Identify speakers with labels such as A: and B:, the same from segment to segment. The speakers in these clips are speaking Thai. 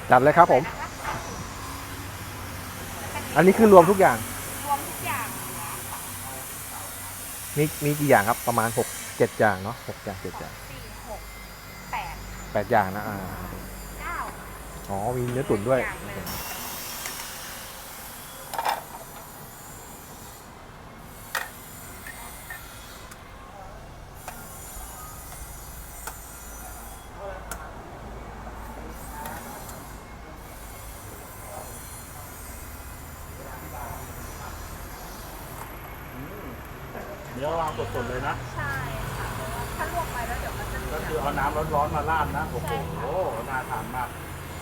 A: จัดเลยครับผม อันนี้คือรวมทุกอย่าง
B: รวมทุกอย่าง
A: มีกี่อย่างครับประมาณ6-7อย่างเนาะ6อย่าง7อย่าง
B: สี่หกแปด
A: 8อย่างนะ
B: เก้า
A: อ๋อมีเนื้อตุ๋นด้วย
B: อย่างเลย
C: เนื้อวางสดๆเลยนะ
B: ใช่ค่ะเพราะว่าถ้าลวกไปแล้วเดี๋ยวมันจะ
C: ก็คือเอาน้ำร้อนๆมาราดนะโอ้โหน่าทานมาก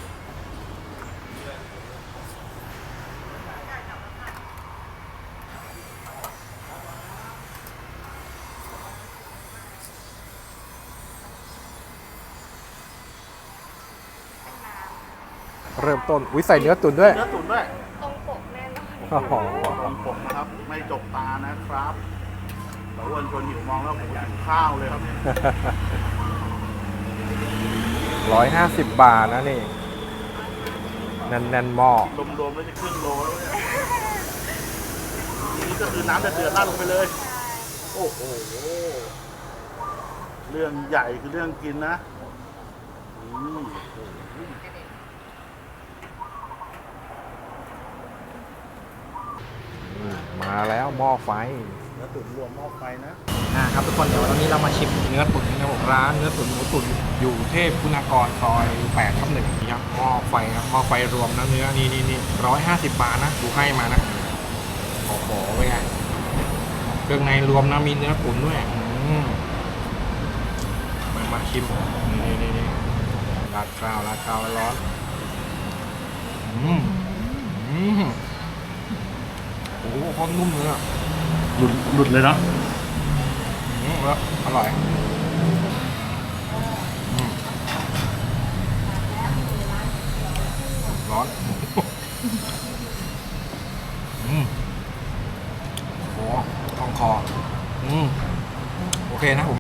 A: เริ่มต้นวิใส่เนื้อตุ๋นด้วย
C: เนื้อตุ๋นด้วย
B: ตรงปกแน่นอน
A: โอ้โห
C: ตรงปกนะครับไม่จกตานะครับแต่อ้วนชวนหิวมองแล้วผมหิวข้าวเลยครับ
A: 150 บาทนะนี่แน่นๆหม้อ
C: รวมๆแล้วจะครึ่งโลแล้วเนี่ยนี่ก็คือน้ำเดือดๆราดลงไปเลยโอ้โหเรื่องใหญ่คือเรื่องกินนะ
A: มาแล้วหม้อไฟ
C: เนื้อตุ๋นรวมหม้อไฟนะครับ
A: ทุกคนเดี๋ยวตอนนี้เรามาชิมเนื้อตุ๋นนะครับผมร้านเนื้อตุ๋นหมูตุ๋นอยู่เทพคุณากรซอย8/1นี่ครับหม้อไฟครับหม้อไฟรวมนะเนื้อนี่150 บาทนะดูให้มานะโอ้โหเป็นไงเครื่องในรวมนะมีเนื้อตุ๋นด้วยมาชิมนี่ราดข้าวร้อนโอ้โหโคตรนุ่มเลยอ่ะ
C: หลุดเลยเนาะ
A: แล้วอร่อยร้อนโอ้โหต้องคอโอเคนะผม